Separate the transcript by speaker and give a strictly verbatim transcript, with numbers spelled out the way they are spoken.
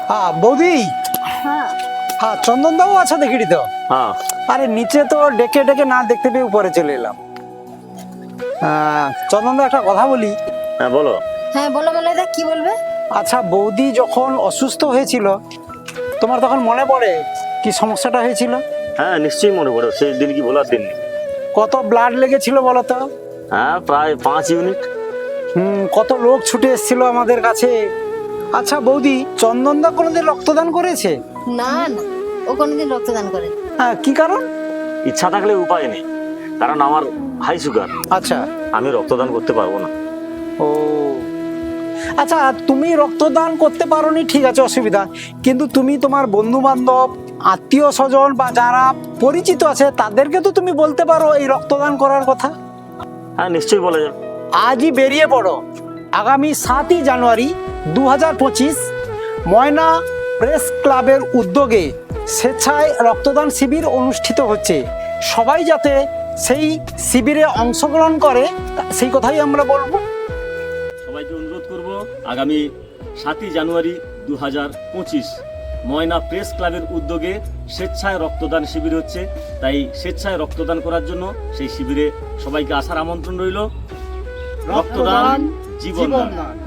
Speaker 1: হ্যাঁ বৌদি,
Speaker 2: হ্যাঁ
Speaker 1: হ্যাঁ চন্দন দাও আচ্ছা দেখিটি তো।
Speaker 3: হ্যাঁ
Speaker 1: আরে নিচে তো ডেকে ডেকে না দেখতে পেয়ে উপরে চলে এলাম। আহ, চন্দন দা একটা কথা বলি।
Speaker 3: হ্যাঁ বলো।
Speaker 2: হ্যাঁ বলো মলয়দা, কি বলবে?
Speaker 1: আচ্ছা বৌদি যখন অসুস্থ হয়েছিল তোমার তখন মনে পড়ে কি সমস্যাটা হয়েছিল?
Speaker 3: হ্যাঁ নিশ্চয়ই মনে পড়ে, সেই দিন কি বলার দিন নেই।
Speaker 1: কত ব্লাড লেগেছিল বলো তো?
Speaker 3: হ্যাঁ প্রায় পাঁচ ইউনিট।
Speaker 1: হুম, কত লোক ছুটে এসেছিল আমাদের কাছে। আচ্ছা বৌদি, চন্দন দা কোনোদিন রক্তদান করেছে?
Speaker 2: না না, ও কোনোদিন রক্তদান করে।
Speaker 1: হ্যাঁ, কি কারণ?
Speaker 3: ইচ্ছা থাকলে উপায় নেই, কারণ আমার হাই সুগার,
Speaker 1: আচ্ছা।
Speaker 3: আমি রক্তদান করতে পারবো না।
Speaker 1: ও আচ্ছা, তুমি রক্তদান করতে পারোনি ঠিক আছে, অসুবিধা, কিন্তু তুমি তোমার বন্ধু বান্ধব, আত্মীয় স্বজন বা যারা পরিচিত আছে তাদেরকে তো তুমি বলতে পারো এই রক্তদান করার কথা।
Speaker 3: হ্যাঁ নিশ্চয়ই বলা যাবে।
Speaker 1: আজই বেরিয়ে পড়ো। আগামী সাতই জানুয়ারি দু হাজার পঁচিশ ময়না প্রেস ক্লাবের উদ্যোগে স্বেচ্ছায় রক্তদান শিবির অনুষ্ঠিত হচ্ছে। সবাই যাতে সেই শিবিরে অংশগ্রহণ করে সেই কথাই আমরা বলবো।
Speaker 4: সবাইকে অনুরোধ করব, আগামী সাতই জানুয়ারি দু হাজার পঁচিশ ময়না প্রেস ক্লাবের উদ্যোগে স্বেচ্ছায় রক্তদান শিবির হচ্ছে, তাই স্বেচ্ছায় রক্তদান করার জন্য সেই শিবিরে সবাইকে আসার আমন্ত্রণ রইল। রক্তদান জীবনদান।